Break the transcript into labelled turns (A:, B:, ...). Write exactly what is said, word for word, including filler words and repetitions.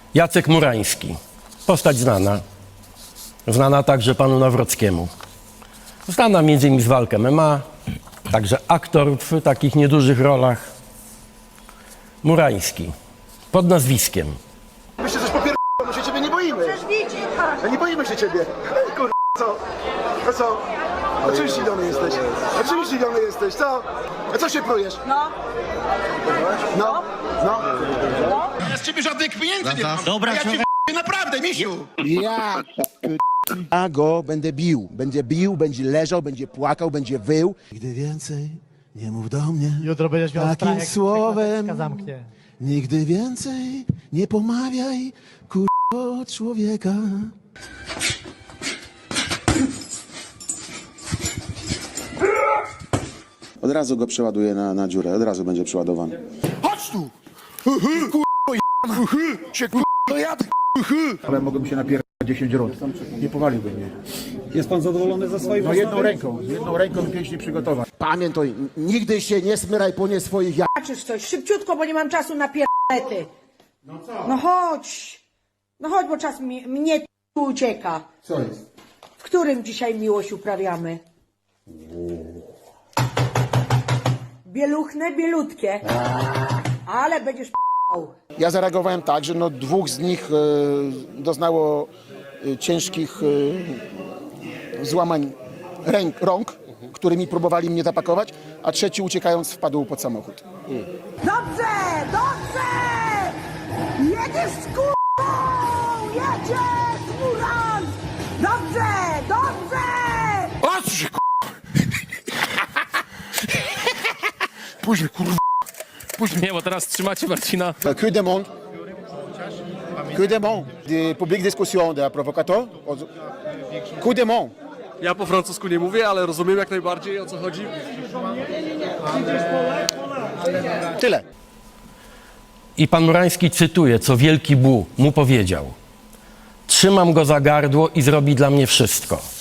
A: Jacek Murański. Postać znana. Znana także panu Nawrockiemu. Znana między innymi z walk M M A, także aktor w takich niedużych rolach. Murański. Pod nazwiskiem.
B: My się coś popier... my się ciebie nie boimy. A nie boimy się ciebie. Kur... co? A co? A czym zdziwiony jesteś? A czym zdziwiony jesteś? Co? A co się prujesz?
C: No.
B: No? No?
C: No.
B: Ja z ciebie żadnych pieniędzy nie mam.
D: Dobra,
B: A ja cię naprawdę, misiu.
E: Ja, ja go będę bił. Będzie bił, będzie leżał, będzie płakał, będzie wył. Nigdy więcej nie mów do mnie
F: Jutro będziesz miał strach,
E: takim
F: jak
E: słowem.
F: się zamknie.
E: Nigdy więcej nie pomawiaj kurwa człowieka.
G: Od razu go przeładuję na, na dziurę, od razu będzie przeładowany.
B: Chodź tu! Kurwa, się kurwa jadę.
H: Ale mogłem się napierać dziesięć rund. Nie powaliłby mnie.
I: Jest pan zadowolony ze swojej
H: No jedną ręką, jedną ręką pięknie przygotować.
E: Pamiętaj, nigdy się nie smyraj po nie swoich ja...
C: Zobaczysz coś, szybciutko, bo nie mam czasu na pierdolety. No co? No chodź. No chodź, bo czas mi, mnie tu ucieka.
H: Co jest?
C: W którym dzisiaj miłość uprawiamy? Bieluchne, bielutkie. Ale będziesz p***ał.
E: Ja zareagowałem tak, że no dwóch z nich e, doznało e, ciężkich e, złamań ręk, rąk, którymi próbowali mnie zapakować, a trzeci uciekając wpadł pod samochód.
C: Dobrze, dobrze! Jedziesz z k***ą! Jedziesz, Muran! Dobrze, dobrze!
B: Patrz się kurwa. Później kurwa.
D: Nie, bo teraz trzymacie Marcina.
E: Que demande? Que demande? De publique discussion de la provocateur? Que demande?
I: Ja po francusku nie mówię, ale rozumiem jak najbardziej, o co chodzi.
E: Tyle.
A: I pan Murański cytuje, co Wielki Bu mu powiedział. Trzymam go za gardło i zrobi dla mnie wszystko.